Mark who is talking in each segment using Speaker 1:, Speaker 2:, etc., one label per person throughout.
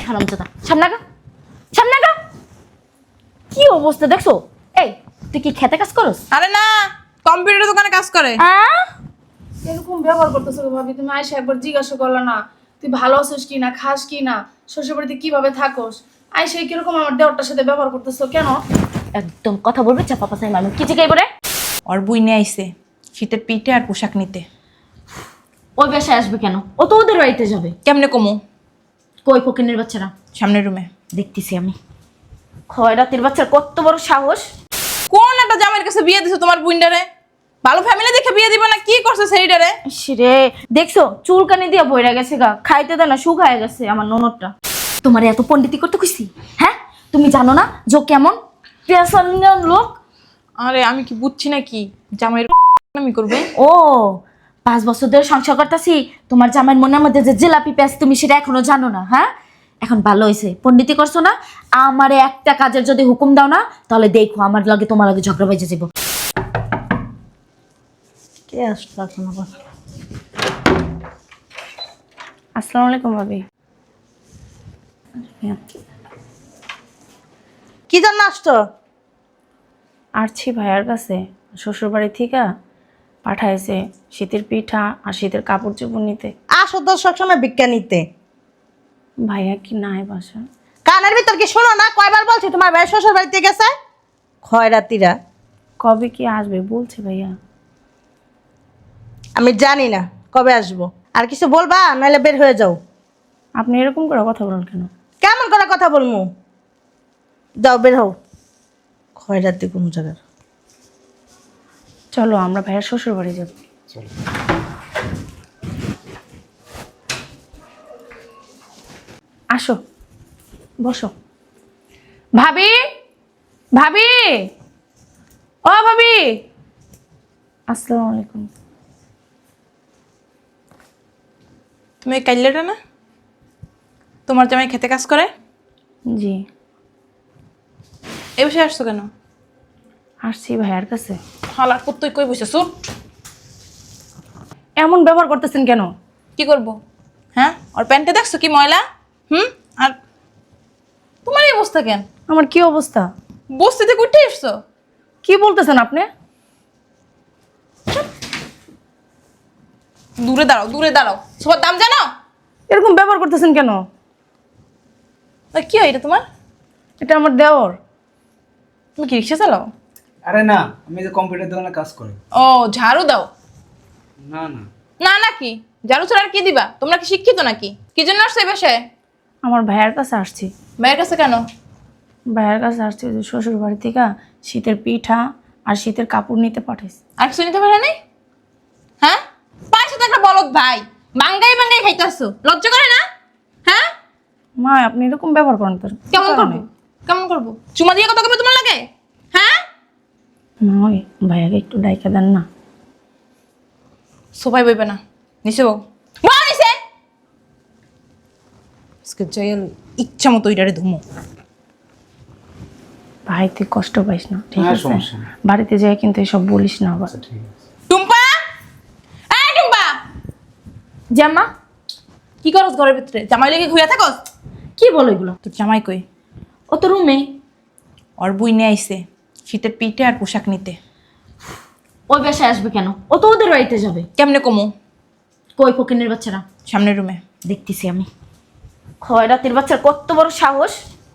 Speaker 1: হারামজাদা সামনে গা, সামনে গা। কি অবস্থা দেখছো? এই তুই কি খেতে কাজ করস?
Speaker 2: আরে না, কম্পিউটার দোকানে কাজ করে।
Speaker 3: এরকম ব্যবহার করতেছো ভাবি? তুমি আয়সা একবার জিজ্ঞাসা করলে না তুই ভালো আছিস কি না, খাস কি না, শ্বশুর বাড়িতে কিভাবে থাকোস? আয়সা কিরকম আমার দেওরটার সাথে ব্যবহার করতেছো কেন?
Speaker 1: একদম কথা বলবে চাপা পাশাই মানুষ কি জিগাই বলে?
Speaker 2: ওর বই নিয়ে আইছে শীতের পিঠে আর পোশাক নিতে।
Speaker 1: ওই বাসায় আসবে কেন? ও তো ওদের বাড়িতে যাবে।
Speaker 2: কেমনে কমু?
Speaker 1: কই ফকিনের বাচ্চারা?
Speaker 2: সামনের রুমে।
Speaker 1: দেখতেছি আমি। খয়রাতের বাচ্চার কত বড় সাহস!
Speaker 2: কোন একটা জামাইয়ের কাছে বিয়ে দিছো তোমার বুইন্ডারে? ভালো ফ্যামিলি দেখে বিয়ে দিবা না কি করছে সেইটারে?
Speaker 1: রে দেখছো চুলকানি দিয়া বইরা গেছে গা, খাইতে দেয় না, শুকায় গেছে আমার ননদটা। তোমার এত পণ্ডিতি করতে কইছি? হ্যাঁ তুমি জানো না যে ও কেমন পেশালিয়ান লোক?
Speaker 2: আরে আমি কি বুঝছি নাকি জামাইয়ের আমি করবে?
Speaker 1: ও 5 বছর ধরে সংসার করতেছি, তোমার জামাইয়ের মনের মধ্যে যে জিলাপি পেঁয়াজ তুমি সেটা এখনো জানো না? হ্যাঁ এখন ভালো হয়েছে পণ্ডিতি করছো না। আমারে একটা কাজের যদি হুকুম দাও না তাহলে দেখো আমার লগে তোমার লগে ঝগড়া বেজে যাবো। কে আসলো এখন আবার? আসসালামু আলাইকুম ভাবি।
Speaker 4: কি জন্য আসছো?
Speaker 1: আসছি ভাইয়ার কাছে, শ্বশুর বাড়ি থেকে পাঠাইছে শীতের পিঠা আর শীতের কাপড় চোপড় নিতে।
Speaker 4: আসো তো সবসময় ভিক্ষা নিতে।
Speaker 1: ভাইয়া কি নাই বাসা?
Speaker 4: কানের ভিতর কি শোনো না? কয়বার বলছি তোমার ভাই শ্বশুর বাড়িতে গেছে? খয়রাতিরা।
Speaker 1: কবে কি আসবে বলছে ভাইয়া?
Speaker 4: আমি জানি না কবে আসবো। আর কিছু বলবা নাহলে বের হয়ে যাও।
Speaker 1: আপনি এরকম করে কথা বলেন কেন?
Speaker 4: কেমন করে কথা বলবো? যাও বের হও। খয়রাতি কোন জায়গার?
Speaker 1: চলো আমরা ভাইয়ার শ্বশুর বাড়ি যাব। আসো বসো। ভাবি, ভাবি, ও ভাবি। আসসালামু আলাইকুম।
Speaker 2: তুমি কাইলেটা না? তোমার জামাই খেতে কাজ করে?
Speaker 1: জি।
Speaker 2: এ বসে আসছো কেন?
Speaker 1: আসছি ভাইয়ার কাছে।
Speaker 2: হালার পুত্তই কই বসে সুট।
Speaker 1: এমন ব্যবহার করতেছেন কেন?
Speaker 2: কি করব? হ্যাঁ ওর প্যান্টে দেখছো কি ময়লা? আর তোমার এই অবস্থা কেন?
Speaker 1: আমার কি অবস্থা?
Speaker 2: বস্তিতে উঠে এসছো?
Speaker 1: কি বলতেছেন আপনি?
Speaker 2: দূরে দাঁড়াও, দূরে দাঁড়াও। সবার দাম জানো?
Speaker 1: এরকম ব্যবহার করতেছেন কেন?
Speaker 2: কি হয় এটা তোমার?
Speaker 1: এটা আমার দেওর।
Speaker 2: তুমি কি রিক্সা চালাও?
Speaker 5: আরে না, আমি যে কম্পিউটার দোকানে কাজ করি।
Speaker 2: ও ঝাড়ু দাও?
Speaker 5: না না,
Speaker 2: না নাকি ঝাড়ু ছাড়া আর কি দিবা? তোমরা কি শিক্ষিত নাকি? কি জন্য আসছো এই বাসায়?
Speaker 1: আমার ভাইয়ার কাছে আসছি।
Speaker 2: মায়ের কাছে কেন?
Speaker 1: ভাইয়ার কাছে আসছি ওই যে শ্বশুর বাড়ি থেকে শীতের পিঠা আর শীতের কাপড় নিতে পাঠাইছি।
Speaker 2: আর কিছু নিতে পারে নাই? হ্যাঁ পাঁচশো তো একটা বলদ ভাই, বাঙ্গাই বাঙ্গাই খাইতেছো, লজ্জা করে না? হ্যাঁ
Speaker 1: মা আপনি এরকম ব্যবহার করেন তোর
Speaker 2: কেমন করবো? কেমন করবো? চুমা দিয়ে কথা কবে তোমার লাগে? হ্যাঁ
Speaker 1: না ওই ভাইয়াকে একটু ডাইকা দেন না।
Speaker 2: সোফায় বইবে না, নিচে বউ। বউ নিচে। আজকে জয়াল ইচ্ছা মতো ওইটারে ধুমো।
Speaker 1: ভাই তুই কষ্ট পাইস না ঠিক
Speaker 5: হ্যাঁ,
Speaker 1: আছে?
Speaker 5: সমস্যা নেই।
Speaker 1: বাড়িতে যাই কিন্তু এসব বলিস না আবার।
Speaker 5: আচ্ছা ঠিক আছে।
Speaker 2: টুম্পা, এই টুম্পা,
Speaker 1: জামা
Speaker 2: কি করস ঘরের ভিতরে? জামাই লেগে ঘুরে থাকস?
Speaker 1: কি বলো এগুলো?
Speaker 2: তোর জামাই কই?
Speaker 1: ও তো রুমে।
Speaker 2: ওর বই নিয়ে আইছে শীতের পিঠে আর পোশাক নিতে।
Speaker 1: ওই বাসায় আসবে কেন? ও তো ওদের বাড়িতে যাবে।
Speaker 2: কেমনে কমু?
Speaker 1: কই ফকিনের বাচ্চারা?
Speaker 2: সামনের রুমে।
Speaker 1: দেখতেছি আমি। খয়রাতের বাচ্চার কত বড় সাহস!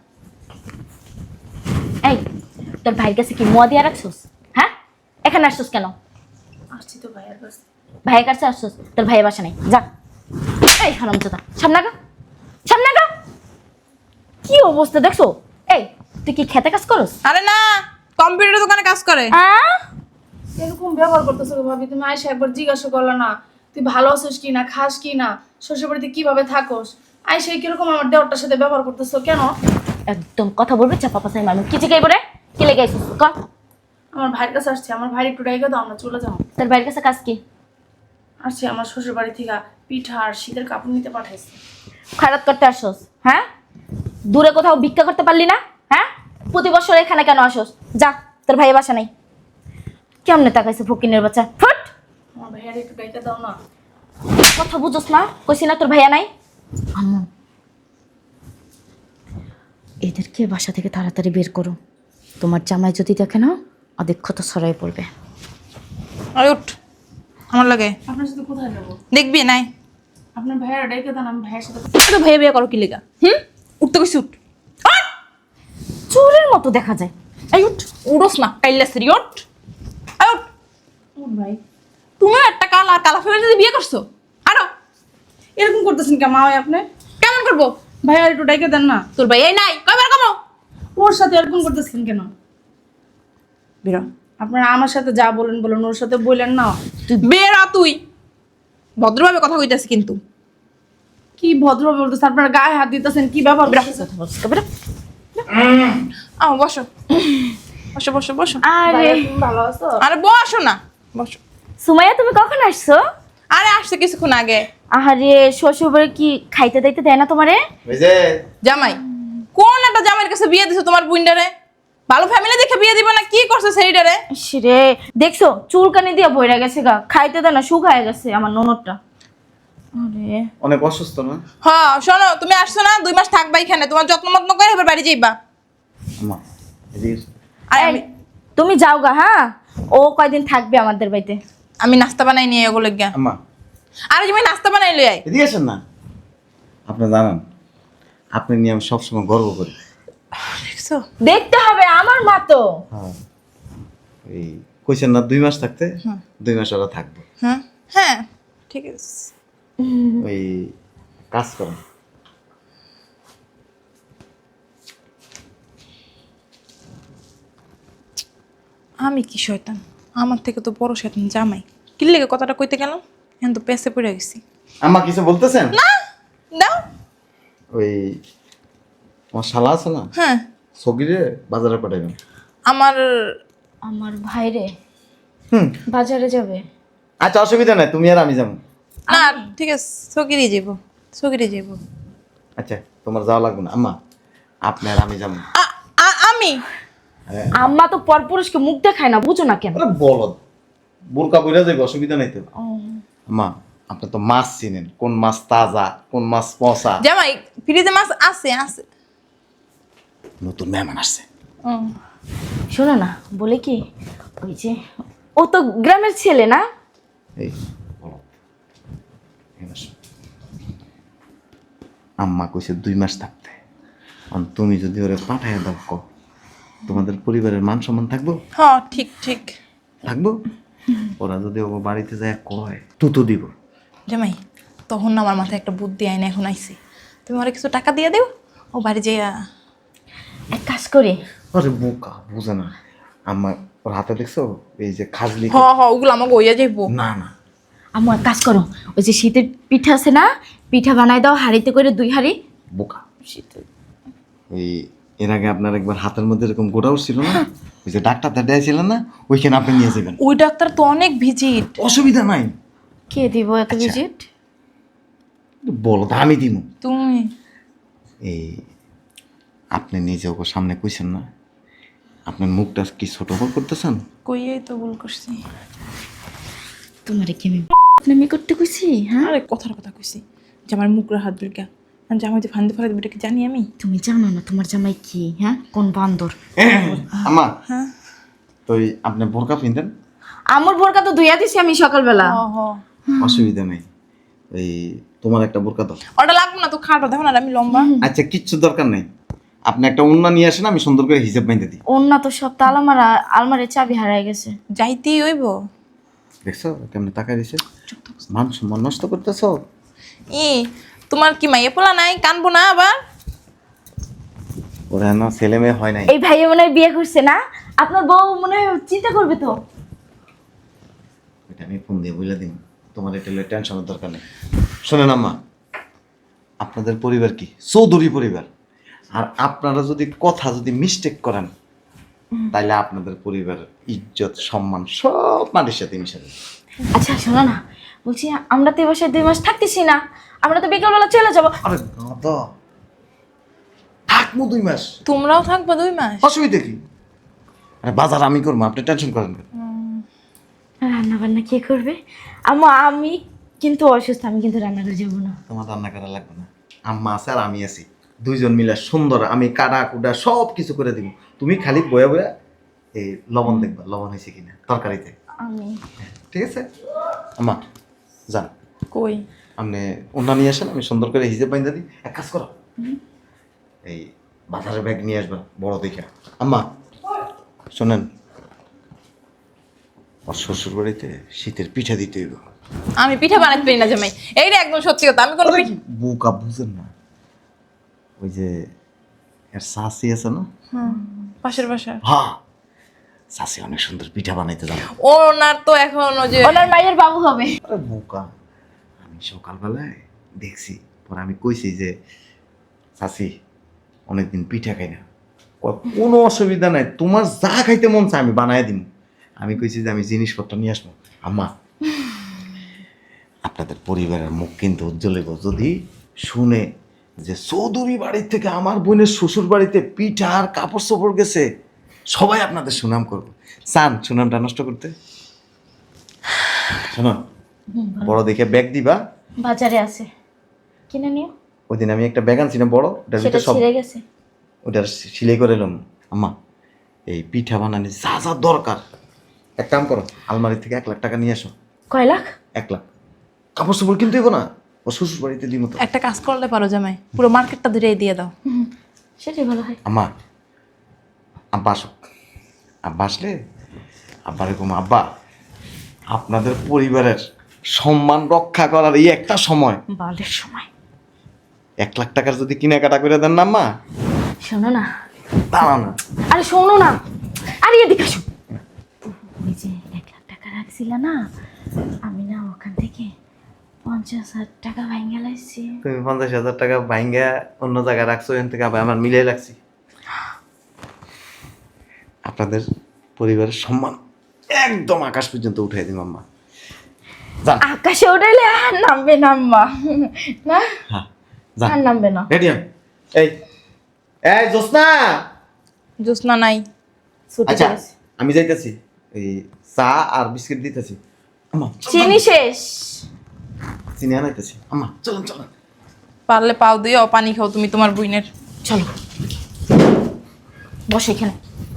Speaker 1: এই তোর ভাইয়ের কাছে কি মোয়া দিয়া রাখছস? হ্যাঁ এখানে আসছস কেন?
Speaker 3: আসছি তো ভাইয়ার কাছে।
Speaker 1: ভাইয়ের কাছে আসছস, তোর ভাইয়ের বাসা নেই, যা। এই হারামজাদা সামনে গা, সামনে গা। কি অবস্থা দেখছো? এই তুই কি খেতে কাজ করস?
Speaker 2: আরে না, কম্পিউটার দোকানে কাজ করে।
Speaker 3: এরকম ব্যবহার করতেছো ভাবি? তুমি আয়সা একবার জিজ্ঞাসা করলে না তুই ভালো আছিস কি না, খাস কি না, শ্বশুর বাড়িতে কিভাবে থাকোস? আয়সা কিরকম আমার দেওরটার সাথে ব্যবহার করতেছো কেন?
Speaker 1: একদম কথা বলবে চাপা পাশাই মানুষ কি জিগাই বলে? কি লেগে আইছিস ক?
Speaker 3: আমার ভাইয়ের কাছে আসছি, আমার ভাই একটু ডাইকা দাও, আমরা চলে যাবো।
Speaker 1: তোর ভাইয়ের কাছে কাজ কি?
Speaker 3: আসছি আমার শ্বশুর বাড়ি থেকে পিঠা আর শীতের কাপড় নিতে পাঠাইছি।
Speaker 1: খারাপ করতে আসছস? হ্যাঁ দূরে কোথাও ভিক্ষা করতে পারলি না? হ্যাঁ প্রতি বছর এখানে কেন আসছস? যা, তোর ভাইয়ের বাসা নাই। কেমনে তাকাইছে ফকিনের বাচ্চা? ফুট!
Speaker 3: আমার ভাইয়ার একটু ডাইকা দাও না।
Speaker 1: কথা বুঝোস না? কইছি না তোর ভাইয়া নাই? আম্মু এদেরকে বাসা থেকে তাড়াতাড়ি বের করো। তোমার জামাই যদি দেখে না, অদক্ষতা ছড়াই পড়বে।
Speaker 2: আরে উঠ, আমার লাগে
Speaker 3: আপনার সাথে কোথায় যাবো?
Speaker 2: দেখবি নাই
Speaker 3: আপনার ভাইয়ের ডেকে দেন, আমি ভাইয়ের সাথে
Speaker 2: তো ভাইয়া বিয়ে করো কি লেগা? উঠতে কইছি উঠ। আয়!
Speaker 1: চোরের মতো দেখা যায়।
Speaker 2: এই উঠ, উড়োস না কাইল্লা সেরি উঠ। আয় উঠ।
Speaker 3: উঠ ভাই।
Speaker 2: তুমি একটা কালা কালা ফ্যামিলি বিয়ে করছো? আরো
Speaker 3: এরকম করতেছেন কেন মা? আপনি
Speaker 2: কেমন করবো?
Speaker 3: ভাইয়া একটু ডেকে দেন না।
Speaker 2: তোর ভাই এই নাই কয়বার কমো
Speaker 3: ওর সাথে এরকম করতেছেন কেন?
Speaker 2: বেরো
Speaker 3: আপনারা আমার সাথে যা বলেন বলেন, ওর সাথে বললেন না।
Speaker 2: বেরো তুই। ভদ্রভাবে কথা কইতাছি কিন্তু।
Speaker 3: কি ভদ্রভাবে বলতেছেন? আপনারা গায়ে হাত দিতেছেন, কি ব্যাপার?
Speaker 2: বসো বসো বসো বসো।
Speaker 1: আরে
Speaker 3: ভাইয়া, তুমি ভালো আছো?
Speaker 2: আরে বসো না, বসো।
Speaker 1: সুমাইয়া, তুমি কখন আসছো?
Speaker 2: আরে আসছে কিছুক্ষণ আগে।
Speaker 1: আহারে, শ্বশুরবাড়ি কি খাইতে দাইতে দেয় না তোমারে?
Speaker 6: ওই যে
Speaker 2: জামাই কোন একটা জামাইয়ের কাছে বিয়ে দিছো তোমার বুইন্ডারে? ভালো ফ্যামিলি দেখে বিয়ে দিব না কি করছে সেইটারে?
Speaker 1: রে দেখছো, চুলকানি দিয়ে বইরা গেছে গা, খাইতে দেয় না, শুকায় গেছে আমার ননদটা। আরে
Speaker 6: অনেক অসুস্থ না
Speaker 2: হ্যাঁ শোনো, তুমি আসছো না, 2 মাস থাকবা এখানে, তোমার যত্ন মত্ন করে এবার বাড়ি যাইবা।
Speaker 6: আম্মা এদিকে
Speaker 2: আর
Speaker 1: এই, তুমি যাও গা, হ্যাঁ? ও কয়দিন থাকবে আমাদের বাড়িতে।
Speaker 2: আমি নাস্তা বানাই নিয়ে এগুলো গিয়া।
Speaker 6: আম্মা
Speaker 2: আরে তুমি নাস্তা বানাই লই আয়।
Speaker 6: এদিকে আসেন না। আপনি জানেন আপনি নিয়ে আমি সবসময় গর্ব করি।
Speaker 2: দেখছো?
Speaker 1: দেখতে হবে, আমার মা তো।
Speaker 6: হ্যাঁ এই কইছেন না 2 মাস থাকতে, 2 মাস ওরা থাকবো।
Speaker 2: হ্যাঁ হ্যাঁ ঠিক আছে।
Speaker 6: ওই কাজ করেন।
Speaker 2: আমি কি শয়তান, আমার থেকে তো বড় শয়তান জামাই। কি লেগে কথাটা কইতে গেলাম, এখন তো পেছে পড়ে গেছি।
Speaker 6: আম্মা কিছু বলতেছেন?
Speaker 2: না দাও।
Speaker 6: ওই আমার শালা আছে না,
Speaker 2: হ্যাঁ
Speaker 6: সগিরে বাজারে পাঠাবেন।
Speaker 2: আমার
Speaker 1: আমার ভাইরে
Speaker 6: হুম
Speaker 1: বাজারে যাবে।
Speaker 6: আচ্ছা অসুবিধা নাই, তুমি আর আমি যাবো।
Speaker 2: না ঠিক আছে, সগিরে যাব, সগিরে যাব।
Speaker 6: আচ্ছা তোমার যাওয়া লাগবে না আম্মা, আপনি আর আমি যাবো।
Speaker 2: আমি
Speaker 1: আম্মা তো পরপুরুষকে মুখ দেখায় না, বুঝো না কেন?
Speaker 6: আরে বলদ, বোরকা পইরা যাইব, অসুবিধা নাই তো। আম্মা আপনি তো মাছ চিনেন, কোন মাছ তাজা কোন মাছ পচা।
Speaker 2: জামাই ফ্রিজে মাছ আছে আছে।
Speaker 6: নতুন মেহমান আসছে।
Speaker 1: শোনো না, বলে কি, ওই যে ও তো গ্রামের ছেলে না?
Speaker 6: এই বলদ, এখানে আসো। আম্মা কইছে 2 মাস থাকতে, আর তুমি যদি ওরে পাঠাইয়া দাও ক, তোমাদের পরিবারের মান সম্মান থাকবো?
Speaker 2: হ্যাঁ ঠিক ঠিক।
Speaker 6: থাকবো। ওরা যদি ও বাড়িতে যায় কয় তুতো দিব।
Speaker 2: জামাই তখন না আমার মাথায় একটা বুদ্ধি আইনে এখন আইছে। তুমি ওরা কিছু টাকা দিয়ে দিও, ও বাড়ি যাইয়া।
Speaker 1: এক কাজ করি,
Speaker 6: আরে বোকা বুঝে না। আম্মা ওর হাতে দেখছো এই যে খাজলি?
Speaker 2: ওগুলো আমাকে ওইয়া যাইবো।
Speaker 6: না না
Speaker 1: আম্মু এক কাজ করো, ওই যে শীতের পিঠা আছে না, পিঠা বানাই দাও হাঁড়িতে করে 2 হাঁড়ি।
Speaker 6: বোকা। ওই এর আগে আপনার একবার হাতের মধ্যে এরকম গোটা উঠছিল না, ওই যে ডাক্তার দিয়েছিলেন না, ওইখানে আপনি নিয়ে যাবেন।
Speaker 2: ওই ডাক্তার তো অনেক ভিজিট।
Speaker 6: অসুবিধা নাই।
Speaker 1: কে দিব এত ভিজিট?
Speaker 6: বলো তো আমি দিব।
Speaker 2: তুমি
Speaker 6: এই আপনি নিজে ওকে সামনে কইছেন না, আপনার মুখটা কি ছোট বড় করতেছেন?
Speaker 2: কইয়াই তো ভুল করছি।
Speaker 1: তোমারে কি আমি করতে কইছি? হ্যাঁ,
Speaker 2: আরে কথার কথা কইছি যে আমার মুখরা হাত বিলকা, জামাই যে ফান্দে ফেলে দেবে এটা কি জানি আমি?
Speaker 1: তুমি জানো না তোমার জামাই কি, হ্যাঁ, কোন বান্দর।
Speaker 6: আম্মা
Speaker 2: হ্যাঁ
Speaker 6: তো আপনি বোরকা পিনতেন?
Speaker 1: আমার বোরকা তো ধুইয়া দিছি আমি সকালবেলা।
Speaker 6: অসুবিধা নেই, এই তোমার একটা বোরকা দাও।
Speaker 2: ওটা লাগবে না তো, খাটো দেখো না আমি লম্বা।
Speaker 6: আচ্ছা কিচ্ছু দরকার নেই, আপনি একটা ওন্না নিয়ে আসেন, আমি সুন্দর করে হিসাব বাইন্ধে দিই।
Speaker 1: অন্য তো সব তালামারা আলমারির চাবি হারাই গেছে।
Speaker 2: যাইতেই হইব।
Speaker 6: দেখছো কেমনে তাকাই দিছে? মান সম্মান নষ্ট করতেছ।
Speaker 2: তোমার কি মাইয়ে পোলা নাই, কানবো না আবার?
Speaker 6: ওরা না ছেলে মেয়ে হয় নাই।
Speaker 1: এই ভাইয়া মনে হয় বিয়ে করছে না, আপনার বউ মনে হয় চিন্তা করবে তো।
Speaker 6: এটা আমি ফোন দিয়ে বলে দিন, তোমার এটা টেনশনের দরকার নেই। শোনেন আম্মা, আপনাদের পরিবার কি চৌধুরী পরিবার, আর আপনারা যদি কথা যদি মিস্টেক করেন তাহলে আপনাদের পরিবারের ইজ্জত সম্মান সব মাটির সাথে মিশে যাবে।
Speaker 1: আচ্ছা শোনো না, বলছি আমরা তো এই বাসায় 2 মাস থাকতেছি না, আমরা তো বিকালবেলা চলে যাবো।
Speaker 6: আরে গাদা, থাকবো 2 মাস,
Speaker 2: তোমরাও থাকবে 2 মাস?
Speaker 6: অসুবিধা কি? আরে বাজার আমি করবো, আপনি টেনশন করেন কেন?
Speaker 1: রান্না বান্না কে করবে? আমি কিন্তু অসুস্থ, আমি কিন্তু রান্না করে যাবো না।
Speaker 6: তোমার রান্না করা লাগবে না, আম্মা আছে আর আমি আছি, দুইজন মিলে সুন্দর আমি কাটা কুটা সব কিছু করে দিব, তুমি খালি বয়া বয়া এই লবণ দেখবা লবণ হয়েছে কিনা তরকারিতে।
Speaker 1: আমি
Speaker 6: ঠিক আছে আম্মা, যান
Speaker 2: কই
Speaker 6: আপনি ওনা নিয়ে আসেন, আমি সুন্দর করে হিসেব বাইন্দা দিই। এক কাজ করো, এই বাজারের ব্যাগ নিয়ে আসবা বড় দেখে। আম্মা শোনেন, ওর শ্বশুর বাড়িতে শীতের পিঠা দিতে হইব।
Speaker 2: আমি পিঠা বানাতে পারি না জামাই, এইটা একদম সত্যি কথা। আমি কোনো পিঠা
Speaker 6: বুকা বুঝেন না, ওই যে এর শাসি আছে না,
Speaker 2: পাশের বাসা
Speaker 6: হ্যাঁ শাসি অনেক সুন্দর পিঠা বানাইতে জানে।
Speaker 2: ওনার তো এখন ওই যে
Speaker 1: ওনার মায়ের বাবু হবে।
Speaker 6: আরে বোকা, আমি সকালবেলায় দেখছি, পরে আমি কইছি যে শাসি অনেকদিন পিঠা খাই না, কয়, কোনো অসুবিধা নাই, তোমার যা খাইতে মন চায় আমি বানাই দিব। আমি কইছি যে আমি জিনিসপত্র নিয়ে আসবো। আম্মা আপনাদের পরিবারের মুখ কিন্তু উজ্জ্বল হইব যদি শুনে যে চৌধুরী বাড়ির থেকে আমার বোনের শ্বশুর বাড়িতে পিঠা আর কাপড় চোপড় গেছে, সবাই আপনাদের সুনাম করবো। চান সুনামটা নষ্ট করতে? শোনো, বড় দেখে ব্যাগ দিবা,
Speaker 1: বাজারে আছে, কিনে নিও।
Speaker 6: ওই দিন আমি একটা ব্যাগ আনছি না বড়, ওটার
Speaker 1: সেটা
Speaker 6: ভিতরে সব
Speaker 1: ছিঁড়ে গেছে।
Speaker 6: ওটার সিলাই করে এলাম। আম্মা এই পিঠা বানানি যা যা দরকার, এক কাম করো, আলমারি থেকে 1 লাখ টাকা নিয়ে আসো।
Speaker 1: কয় লাখ?
Speaker 6: 1 লাখ। কাপড় চোপড় কিনতে হইব না, ও শ্বশুর বাড়িতে দিব তো।
Speaker 2: একটা কাজ করলে পারো জামাই, পুরো মার্কেটটা ধরে দিয়ে দাও।
Speaker 1: সেটাই ভালো হয়।
Speaker 6: আম্মা আব্বা আসুক, আব্বা আসলে আব্বা এরকম, আব্বা আপনাদের পরিবারের সম্মান রক্ষা করার এই একটা সময়,
Speaker 1: বালের সময়।
Speaker 6: 1 লাখ টাকার যদি কেনাকাটা করে দেন না আম্মা,
Speaker 1: শোনো না,
Speaker 6: দাঁড়া না।
Speaker 1: আরে শোনো না, আরে এদিকে আসো। ওই যে 1 লাখ টাকা রাখছিল না, আমি না ওখান থেকে 50,000 টাকা ভাঙে লাইছি।
Speaker 6: তুমি 50,000 টাকা ভাঙ্গা অন্য জায়গায় রাখছো, এখান থেকে আবার আমার মিলাই রাখছি। আপনাদের পরিবারের সম্মান একদম আকাশ পর্যন্ত উঠাই দিন আম্মা। যান।
Speaker 1: আকাশে উঠাইলে আর নামবে না আম্মা, না
Speaker 6: হ্যাঁ যান,
Speaker 1: আর নামবে না।
Speaker 6: রেডি হন। এই এই জোসনা,
Speaker 2: জোসনা নাই।
Speaker 1: ছুটি
Speaker 6: আচ্ছা
Speaker 1: করেছে।
Speaker 6: আমি যাইতেছি, এই চা আর বিস্কিট দিতেছি। আম্মা
Speaker 1: চিনি শেষ।
Speaker 6: চিনি আনাইতেছি। আম্মা চলুন চলুন।
Speaker 2: পারলে পাও দিও, পানি খাও তুমি তোমার বুইনের।
Speaker 1: চলো বসো এখানে।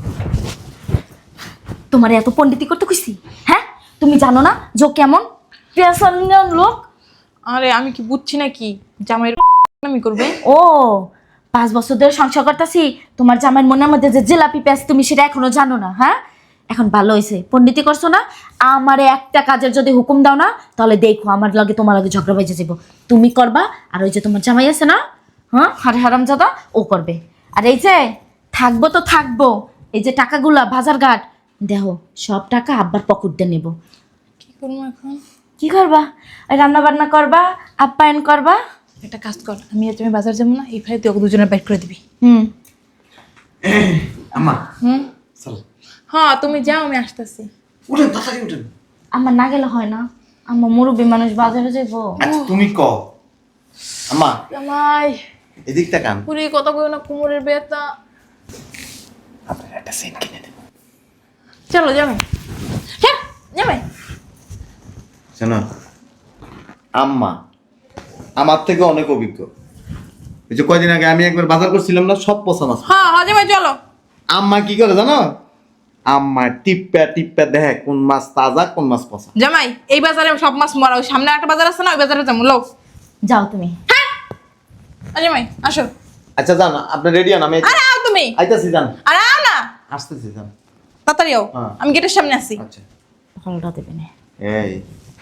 Speaker 1: তোমার এত পণ্ডিতি করতে কইছি? হ্যাঁ, তুমি জানো না যে ও কেমন পেশানিয়ান লোক?
Speaker 2: আরে আমি কি বুঝছি নাকি জামাইয়ের আমি করবে?
Speaker 1: ও 5 বছর ধরে সংসার করতেছি, তোমার জামাইয়ের মনের মধ্যে যে জিলাপি পেঁয়াজ তুমি সেটা এখনো জানো না। হ্যাঁ, এখন ভালো হয়েছে পণ্ডিতি করছো না। আমারে একটা কাজের যদি হুকুম দাও না, তাহলে দেখো আমার লগে তোমার লগে ঝগড়া বেজে যাবো। তুমি করবা, আর ওই যে তোমার জামাই আছে না, হ্যাঁ হারে হারামজাদা, ও করবে। আর এই যে থাকবো তো থাকবো, এই যে টাকাগুলা বাজার ঘাট দেখো, সব টাকা আব্বার পকেট দিয়ে নেবো।
Speaker 2: কি করবো এখন?
Speaker 1: কি করবা? রান্না বান্না করবা, আপ্যায়ন করবা।
Speaker 2: একটা কাজ কর, আমি আর তুমি বাজার যাবো না, এই ফাইলে তুই ওকে দুজনে বাইট করে দিবি।
Speaker 1: হুম,
Speaker 6: আম্মা
Speaker 2: হুম,
Speaker 6: চলো,
Speaker 2: হ্যাঁ তুমি যাও, আমি আসতেছি।
Speaker 6: উঠেন তাড়াতাড়ি উঠেন।
Speaker 1: আমার না গেলে হয় না, আমার মুরব্বী মানুষ বাজারে যাবো।
Speaker 6: আচ্ছা তুমি ক। আম্মা
Speaker 2: জামাই
Speaker 6: এদিক তাকান,
Speaker 2: পুরি কথা কই না, কোমরের ব্যথা।
Speaker 6: আপনার একটা সেন্ট কিনে দেব।
Speaker 2: চলো জামাই। হ্যাঁ জামাই।
Speaker 6: শোনো, আম্মা আমার থেকে অনেক অভিজ্ঞ। এই যে কয়দিন আগে আমি একবার বাজার করছিলাম না, সব পচা মাছ।
Speaker 2: হ্যাঁ হ্যাঁ জামাই চলো।
Speaker 6: আম্মা কি করে জানো? আম্মা টিপ্পা টিপ্পা দেখে কোন মাছ তাজা কোন মাছ পচা।
Speaker 2: জামাই এই বাজারে সব মাছ মরা, ওই সামনে একটা বাজার আছে না, ওই বাজারে যাবো। লো
Speaker 1: যাও তুমি।
Speaker 2: জামাই আসো।
Speaker 6: আচ্ছা যান, আপনি রেডি হন, আমি
Speaker 2: আরে আও তুমি।
Speaker 6: আইতাছি। যান,
Speaker 2: আরে আও না,
Speaker 6: আসতেছি। যান।
Speaker 2: তাড়াতাড়ি আও,
Speaker 6: হ্যাঁ।
Speaker 2: আমি গেটের সামনে আছি।
Speaker 6: আচ্ছা
Speaker 1: ফলটা দেবে না।
Speaker 6: এই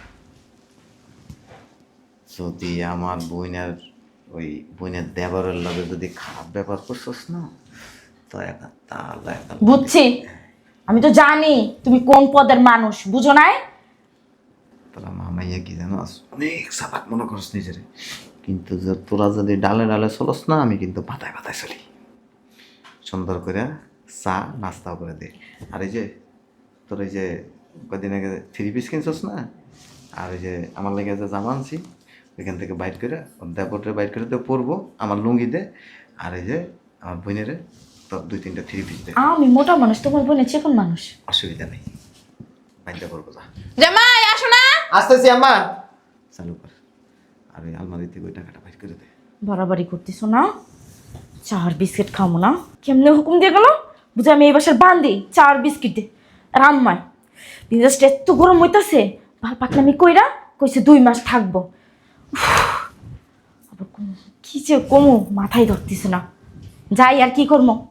Speaker 6: যদি আমার বোনের দেবরের লগে যদি খারাপ ব্যাপার করছস না, তো একটা তাহলে
Speaker 1: বুঝছি, আমি তো জানি তুমি কোন পদের মানুষ, বুঝো নাই?
Speaker 6: তোরা মামাইয়া কি জানো, অনেক সাবাক মনে করস নিজেরে, কিন্তু তোরা যদি ডালে ডালে চলস না, আমি কিন্তু পাতায় পাতায় চলি। সুন্দর করে চা নাস্তাও করে দে। আর এই যে তোর এই যে কদিন আগে 3 পিস কিনছস না, আর ওই যে আমার লেগে যে জামা আনছি, ওইখান থেকে বাইট করে দেবরে বাইট করে দিয়ে পরবো, আমার লুঙ্গি দে। আর এই যে আমার বোনেরে তোর 2-3টা 3 পিস দে।
Speaker 1: আমি মোটা মানুষ, তোমার বোনের চিকন মানুষ।
Speaker 6: অসুবিধা নেই, বাইটটা করবো। যা,
Speaker 2: জামাই আসো না।
Speaker 6: আসতেছি আম্মা। চালু কর। আর ওই আলমারি থেকে ওই টাকাটা বাইট করে দে।
Speaker 1: বাড়াবাড়ি করতেছো না? চার বিস্কিট খাবো না? কেমনে হুকুম দিয়ে গেল? বুঝে আমি এই বাসার বান্দি, চার বিস্কিট দে। আর আম্মায় বিদেশটা এত গরম হইতাছে, ভাল পাকনামি কইরা কইছে 2 মাস থাকবো। উফ, আবার কি যে কমু মাথায় ধরতেছে না। যাই আর কি করবো।